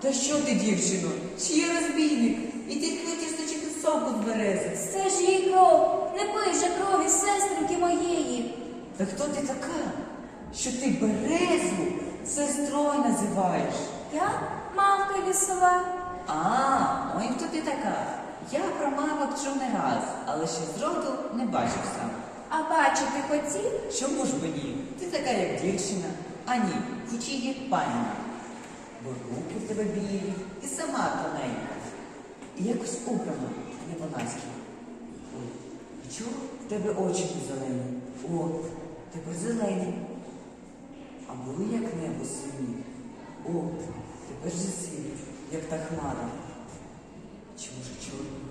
Та що ти, дівчино? Чи є розбійник? І ти хочеш точити соку з берези? Це ж її кров. Не пий же крові сестринки моєї. Та хто ти така? Що ти березу сестрою називаєш? Я мавка лісова. А, ой, хто ти така? Я про мавок чув не раз, але ще зроду не бачив сам. А бачити хотів? Чому ж би ні? Ти така, як дівчина, а ні, хоч і як пані. Бо руки в тебе білі, і сама тоненька. І якось убрана, не по-наськи. Ой, і чого в тебе очі зелені? О, тепер зелені. А були як небо сині. О, тепер же сині, як та хмара. Чому ж чорні?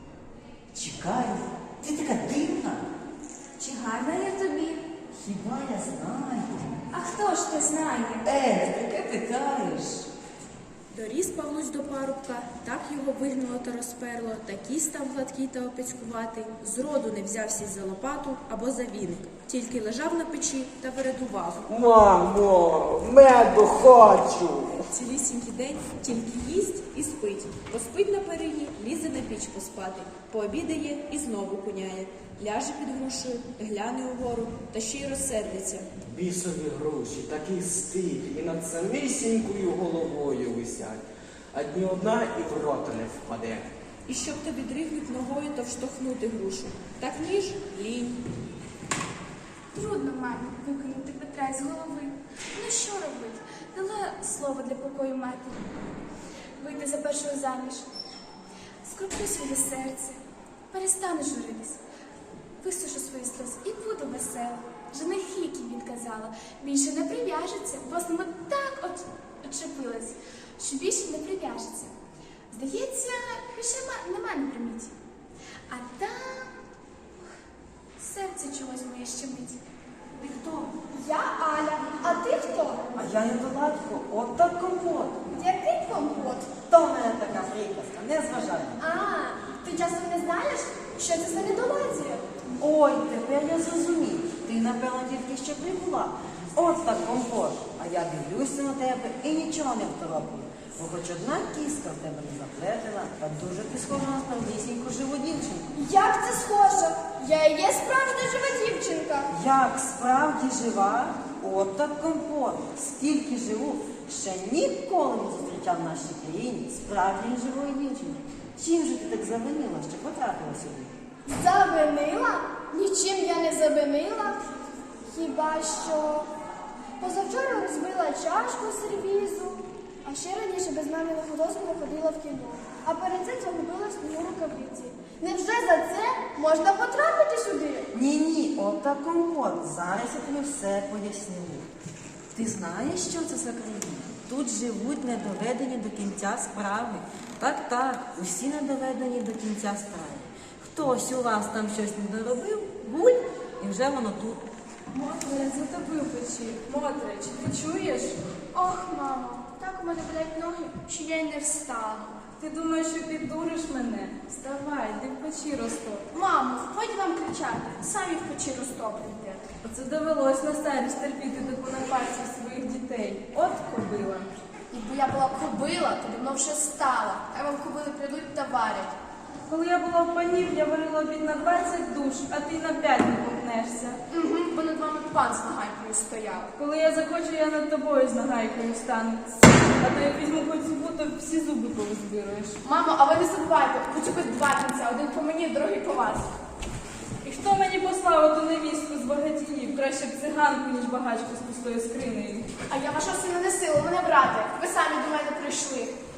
Чекай, ти така дивна. Чи гарна я тобі? Хіба я знаю? А хто ж те знає? Таке питаєш. Доріс Павлусь до парубка, так його вигнало та розперло, такий став гладкий та опецькуватий, зроду не взявся за лопату або за віник, тільки лежав на печі та вередував. Мамо, меду хочу. Цілісінький день тільки їсть і спить. Поспить на перині, лізе на піч поспати, пообідає і знову куняє. Ляже під грушею, гляне угору та ще й розсердиться. Бісові груші, такий стиль, і над самісінькою головою висять. А дні одна і в рота не впаде. І щоб тобі дригнуть ногою та вштовхнути грушу. Так ніж лінь. Трудно, мамі, викинути Петра із голови. Ну що робити? Дала слово для покою матері. Вийти за першого заміж. Скроплю своє серце. Перестану журитись. Висушу свої сльози і буду весела. Женихи, які відказала, більше не прив'яжеться, бо з ними так очепилась, що більше не прив'яжеться. Здається, більше нема на приміті. А там серце чогось моє щемить. Ти хто? Я Аля, а ти хто? А я недоладько, от так компот. Який компот? То в мене така приказка, не зважай. А, ти часом не знаєш, що це за недоладія? Ой, тепер я зрозумів. Ти, напевно, тільки що прибула. От так компот. А я дивлюся на тебе і нічого не второплю. Бо хоч одна кіска в тебе не заплетена, та дуже ти схожа на справдісіньку живу дівчинку. Як це схоже? Я і є справжня жива дівчинка. Як справді жива, от так компот. Скільки живу, ще ніколи не зустрічав в нашій країні справжньої живої дівчини. Чим же ти так завинила, що потрапила сюди? Завинила? Нічим я не завинила. Хіба що позавчора розбила чашку сервізу, а ще раніше без маминого дозволу ходила в кіно. А перед цим загубила снігу рукавиці. Невже за це можна потрапити сюди? Ні, от так компот. Зараз я тобі все поясню. Ти знаєш, що це за країна? Тут живуть недоведені до кінця справи. Так, усі недоведені до кінця справи. Хтось у вас там щось не доробив, гуль, і вже воно тут. Мотре, затопив печі. Мотре, чи ти чуєш? Ох, мамо, так у мене болять ноги, що я й не встану. Ти думаєш, що піддуриш мене? Вставай, ти в печі розтоп. Мамо, годі вам кричати, самі в печі розтоплюйте. Оце довелось на старість терпіти таку напасті своїх дітей. От кобила. Якби я була кобила, то давно вже стала, а вам кобили прийдуть та варять. Коли я була в панів, я варила обід на 20 душ, а ти на 5 не помкнешся. Угу, бо над вами пан з нагайкою стояв. Коли я захочу, я над тобою з нагайкою стану. А то як візьму хоч зубу, то всі зуби повизбируєш. Мамо, а ви не забувайте, хоч би два кінця, один по мені, другий по вас. І хто мені послав ту невістку з багатіїв? Краще б циганку, ніж багачку з пустою скринею. А я вашого сина не сила, мене брати. Ви самі до мене прийшли.